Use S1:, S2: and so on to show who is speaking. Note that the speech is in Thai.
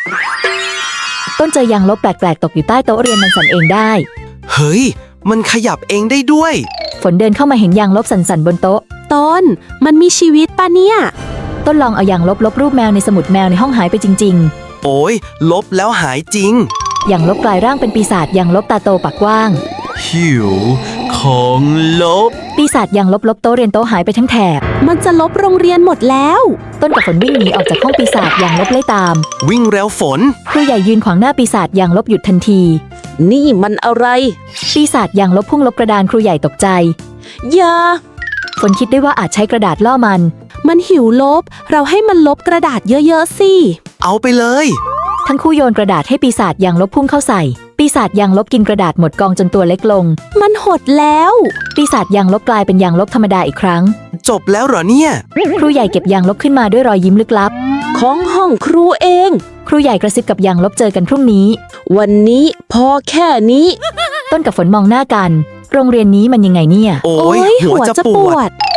S1: ต้นเจอยางลบแปลกๆตกอยู่ใต้โต๊ะเรียนมันสั่นเองได้
S2: เฮ้ยมันขยับเองได้ด้วย
S1: ฝนเดินเข้ามาเห็นยางลบสั่นๆบนโต๊ะ
S3: ต้นมันมีชีวิตปะเนี่ย
S1: ต้นลองเอายางลบรูปแมวในสมุดแมวในห้องหายไปจริง
S2: โอ้ยลบแล้วหายจริง
S1: ๆยางลบกลายร่างเป็นปีศาจยางลบตาโตปากกว้าง
S2: หิวของลบ
S1: ปีศาจยางลบโต๊ะเรียนโต๊ะหายไปทั้งแถบ
S3: มันจะลบโรงเรียนหมดแล้ว
S1: ต้นกับฝนวิ่งหนีออกจากห้องปีศาจยางลบไล่ตาม
S2: วิ่งแล้วฝน
S1: ครูใหญ่ยืนขวางหน้าปีศาจยางลบหยุดทันที
S3: นี่มันอะไร
S1: ปีศาจยางลบพุ่งลบกระดานครูใหญ่ตกใจ
S3: อย่า
S1: ฝนคิดได้ว่าอาจใช้กระดาษล่อมัน
S3: หิวลบ เราให้มันลบกระดาษเยอะๆสิ
S2: เอาไปเลย
S1: ทั้งคู่โยนกระดาษให้ปีศาจยางลบพุ่งเข้าใส่ ปีศาจยางลบกินกระดาษหมดกองจนตัวเล็กลง
S3: มันหดแล้ว
S1: ปีศาจยางลบกลายเป็นยางลบธรรมดาอีกครั้ง
S2: จบแล้วเหรอเนี่ย
S1: ครูใหญ่เก็บยางลบขึ้นมาด้วยรอยยิ้มลึกลับ
S3: ของห้องครูเอง
S1: ครูใหญ่กระซิบกับยางลบเจอกันพรุ่งนี้
S3: วันนี้พอแค่นี้
S1: ต้นกับฝนมองหน้ากัน โรงเรียนนี้มันยังไงเนี่ย
S2: โอ้ยหัวจะปวด